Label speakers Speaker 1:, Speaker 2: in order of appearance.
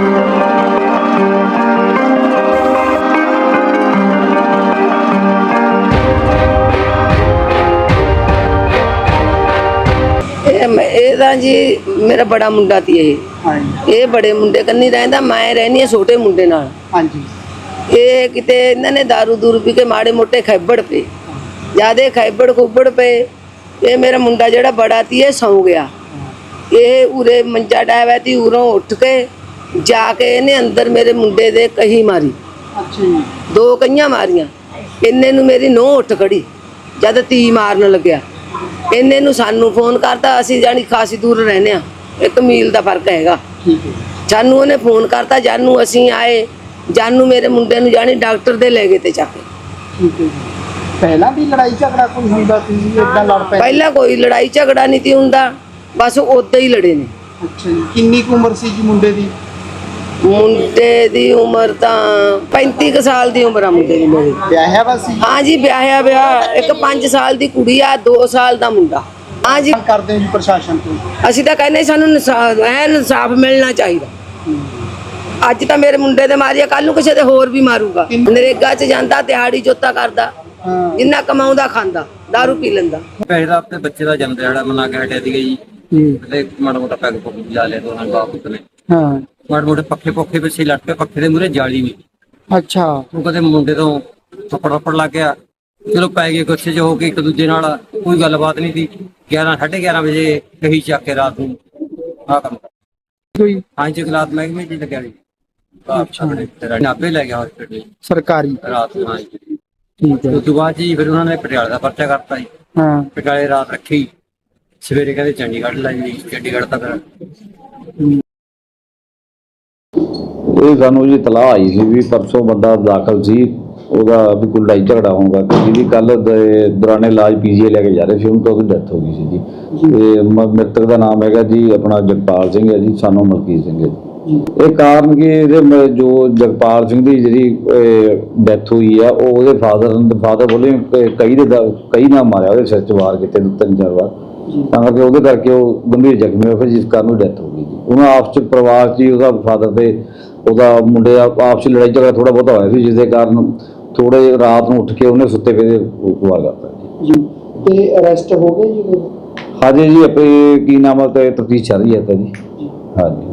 Speaker 1: जी मेरा बड़ा मुंडा थी ये बड़े मुंडे कन्नी रहिंदा मैं रहनी है छोटे मुंडे नाल। हाँ जी ये किते इन्होंने दारू दूरू पी के माड़े मोटे खैबड़ पे ज्यादा खैबड़ खुबड़ पे ये मेरा मुंडा जेड़ा बड़ा थी ये सौ गया। ये उरे मंजा डाया थी उरों उठ के जाके इन्हें अंदर मेरे मुंडे दे कही मारी। अच्छा 2 कहियां मारियां इन्ने नू मेरी नोह उठ खड़ी जद ती मारन लग्या इन्ने नू सानू फोन करता असी जानी खासी दूर रहने 1 मील का फर्क हैगा। जानू उन्हें फोन करता जानू असी आए जानू मेरे मुंडे नू जानी डॉक्टर दे ले गए थे जाके।
Speaker 2: पहला भी लड़ाई झगड़ा कोई हुंदा सी इदां लड़ पए?
Speaker 1: पहला कोई लड़ाई झगड़ा नहीं थी हुंदा बस उदा ही लड़े ने।
Speaker 2: अच्छा जी किन्नी उम्र सी जी मुंडे दी?
Speaker 1: मुंडे दी उम्र तां 35 साल दी उम्र आ मुंडे दी मेरी।
Speaker 2: ब्याहिया वा सी?
Speaker 1: हाँ जी ब्याहिया ब्याह एक 5 साल दी कुड़ी आ 2 साल दा मुंडा। हाँ जी
Speaker 2: करदे जी प्रशासन तो
Speaker 1: ਅਸੀਂ ਤਾਂ ਕਹਿੰਦੇ ਸਾਨੂੰ ਇਨਸਾਫ ਮਿਲਣਾ ਚਾਹੀਦਾ। ਅੱਜ ਤਾਂ ਮੇਰੇ ਮੁੰਡੇ ਦੇ ਮਾਰਿਆ ਕੱਲ ਨੂੰ ਕਿਸੇ ਦੇ ਹੋਰ ਵੀ ਮਾਰੂਗਾ। ਨਰੇਗਾ 'ਚ ਜਾਂਦਾ ਦਿਹਾੜੀ ਜੋਤਾ ਕਰਦਾ ਜਿੰਨਾ ਕਮਾਉਂਦਾ ਖਾਂਦਾ दारू ਪੀ ਲੈਂਦਾ।
Speaker 3: ਪਹਿਲਾਂ ਆਪਣੇ ਬੱਚੇ ਦਾ ਜਨਮ ਦਿਹਾੜਾ ਮਨਾ ਕੇ ਹਟਿਆ ਸੀਗਾ ਜੀ ਤੇ ਮਾੜਾ ਮੋਟਾ ਪੈਗ ਪੁੱਗ ਲਾ ਲਿਆ ਦੋਨਾਂ ਬਾਪ ਨੇ। ਹਾਂ ਮਾੜੇ ਮੋਟੇ ਪੱਖੇ ਪੁੱਖੇ ਪਿੱਛੇ ਲੱਟ ਕੇ ਪੱਖੇ ਦੇ ਮੂਹਰੇ ਜਾਲੀ ਨਹੀਂ। ਅੱਛਾ ਉਹ ਕਦੇ ਮੁੰਡੇ ਤੋਂ ਥੱਪੜ ਲੱਗ ਗਿਆ ਚਲੋ ਪੈ ਗਏ ਗੁੱਸੇ 'ਚ ਹੋ ਕੇ ਇੱਕ ਦੂਜੇ ਨਾਲ ਕੋਈ ਗੱਲਬਾਤ ਨਹੀਂ ਸੀ। 11 11:30 ਵਜੇ ਕਹੀ ਚੱਕ ਕੇ ਰਾਤ ਨੂੰ ਆ ਕੰਮ ਕੋਈ ਹਾਂ ਜੀ ਗਲਾਤ ਮਹਿਕਮੇ ਚ ਲੱਗਿਆ ਜੀ। ਨਾਭੇ ਲੈ ਗਿਆ ਹਸਪੀਟਲ ਸਰਕਾਰੀ ਰਾਤ ਨੂੰ। ਹਾਂ ਜੀ ਠੀਕ ਹੈ। ਉਸ ਤੋਂ ਬਾਅਦ ਜੀ ਫਿਰ ਉਹਨਾਂ ਨੇ ਪਟਿਆਲੇ ਦਾ ਪਰਚਾ ਕਰਤਾ ਜੀ। ਹਾਂ ਪਟਿਆਲੇ ਰਾਤ ਰੱਖੀ ਸਵੇਰੇ ਕਹਿੰਦੇ ਚੰਡੀਗੜ੍ਹ ਲੈ ਜੀ ਚੰਡੀਗੜ੍ਹ ਤੱਕ
Speaker 4: ਇਹ ਸਾਨੂੰ ਜੀ ਇਤਲਾਹ ਆਈ ਸੀ ਵੀ ਪਰਸੋਂ ਬੰਦਾ ਦਾਖਲ ਸੀ ਉਹਦਾ ਵੀ ਕੋਈ ਲੜਾਈ ਝਗੜਾ ਹੋਊਗਾ ਜਿਹਦੀ ਕੱਲ ਦੌਰਾਨੇ ਇਲਾਜ ਪੀਜੀਆਈ ਲੈ ਕੇ ਜਾ ਰਹੇ ਸੀ ਉਹਨੂੰ ਤਾਂ ਉਹਦੀ ਡੈਥ ਹੋ ਗਈ ਸੀ ਜੀ। ਤੇ ਮ੍ਰਿਤਕ ਦਾ ਨਾਮ ਹੈਗਾ ਜੀ ਆਪਣਾ ਜਗਪਾਲ ਸਿੰਘ ਹੈ ਜੀ ਸਾਨੂੰ ਮਲਕੀਤ ਸਿੰਘ ਹੈ ਜੀ। ਇਹ ਕਾਰਨ ਕਿ ਇਹਦੇ ਜੋ ਜਗਪਾਲ ਸਿੰਘ ਦੀ ਜਿਹੜੀ ਡੈਥ ਹੋਈ ਆ ਉਹ ਉਹਦੇ ਫਾਦਰ ਬੋਲੇ ਕਈ ਨਾਲ ਮਾਰਿਆ ਉਹਦੇ ਸਿਰ 'ਚ ਵਾਰ ਕੀਤੇ 3-4 ਵਾਰ ਤਾਂ ਕਰਕੇ ਉਹਦੇ ਕਰਕੇ ਉਹ ਗੰਭੀਰ ਜ਼ਖਮੀ ਹੋਇਆ ਜਿਸ ਕਾਰਨ ਉਹ ਡੈਥ ਹੋ ਗਈ ਜੀ। ਉਹਨਾਂ ਆਪਸ 'ਚ ਪਰਿਵਾਰ 'ਚ ਹੀ ਉਹਦਾ ਫਾਦਰ ਤੇ ਉਹਦਾ ਮੁੰਡੇ ਦਾ ਆਪਸ 'ਚ ਲੜਾਈ ਝਗੜਾ ਥੋੜਾ ਬਹੁਤਾ ਹੋਇਆ ਸੀ ਜਿਸ ਦੇ ਕਾਰਨ ਥੋੜੇ ਰਾਤ ਨੂੰ ਉੱਠ ਕੇ ਉਹਨੇ ਸੁੱਤੇ ਪਏ ਵਾਰ ਕਰਤਾ ਜੀ।
Speaker 2: ਤੇ ਅਰੈਸਟ ਹੋ ਗਏ ਜੀ?
Speaker 4: ਹਾਂਜੀ ਜੀ ਆਪੇ ਕੀ ਨਾਮ ਹੈ ਤੇ ਤਫਤੀਸ਼ ਚੱਲ ਰਹੀ ਹੈ ਤਾਂ ਜੀ। ਹਾਂਜੀ